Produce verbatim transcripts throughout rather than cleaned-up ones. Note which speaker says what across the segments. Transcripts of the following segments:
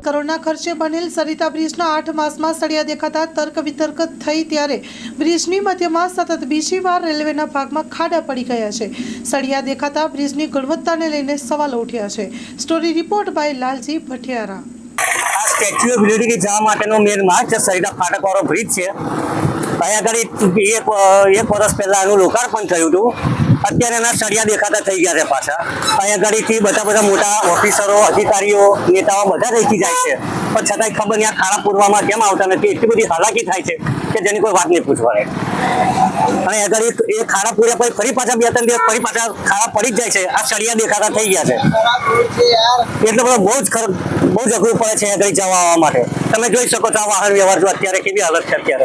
Speaker 1: કરોડના ખર્ચે બનેલ સરિતા બ્રિજના આઠ માસમાં સળિયા દેખાતા તર્ક વિતર્ક થઈ ત્યારે બ્રિજની મધ્યમાં સતત બીજી વાર રેલવેના ભાગમાં ખાડા પડી ગયા છે। સળિયા દેખાતા બ્રિજની ગુણવત્તાને લઈને સવાલો ઉઠ્યા છે। Story report by Lalji Bhatiyara.
Speaker 2: આ સ્ટેચ્યુ ઓફ યુનિટી જવા માટેનો મેન માર્ગ છે, સરિતા ફાટક વાળો બ્રિજ છે। અહીંયા આગળ એક એક વર્ષ પહેલા આનું લોકાર્પણ થયું હતું। અત્યારે એના સળિયા દેખાતા થઈ ગયા છે પાછા। અહીંયા આગળથી બધા બધા મોટા ઓફિસરો, અધિકારીઓ, નેતાઓ બધા રહેતી જાય છે, પણ છતાંય ખબર નહીં આ ખાડા પૂરવામાં કેમ આવતા નથી। એટલી બધી હાલાકી થાય છે કે જેની કોઈ વાત નહીં પૂછવાની। અને આગળ એ ખાડા પૂર્યા પછી ફરી પાછા બે ત્રણ દિવસ ફરી પાછા ખાડા પડી જ જાય છે। આ સળિયા દેખાતા થઈ ગયા છે એટલે બધો બહુ જ બહુ જ અઘરું પડે છે આગળ જવા આવવા માટે। તમે જોઈ શકો છો આ વાહન વ્યવહાર જો અત્યારે કેવી હાલત છે અત્યારે।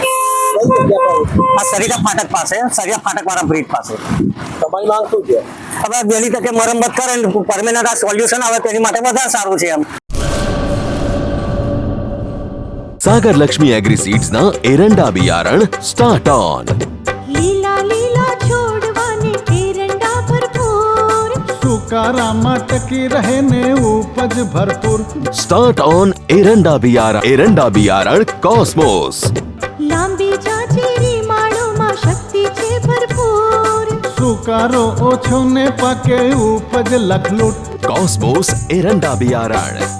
Speaker 2: આ સરિતા ફાટક પાસે, સરિયા ફાટક વાળા બ્રિજ પાસે
Speaker 3: તમારી માંગ શું છે?
Speaker 2: હવે વહેલી તકે મરમ્મત કરે ને પરમેનન્ટ આ સોલ્યુશન આવે તેની માટે વધારે સારું છે એમ।
Speaker 4: सागर लक्ष्मी एग्री सीड्स ना एरंडा बियारण स्टार्ट ऑन।
Speaker 5: લીલા લીલા છોડવાને એરંડા ભરપૂર,
Speaker 6: સુકારામાં ટકી રહે ને ઉપજ ભરપૂર।
Speaker 4: स्टार्ट ऑन एरंडा बियारण एरंડા बियारण कॉस्मोस।
Speaker 5: લાંબી જાચેરી માળોમાં શક્તિ છે ભરપૂર,
Speaker 6: સુકારો ઓછો ને પાકે ઉપજ લખલૂટ।
Speaker 4: कॉस्मोस एरंડા बियारण।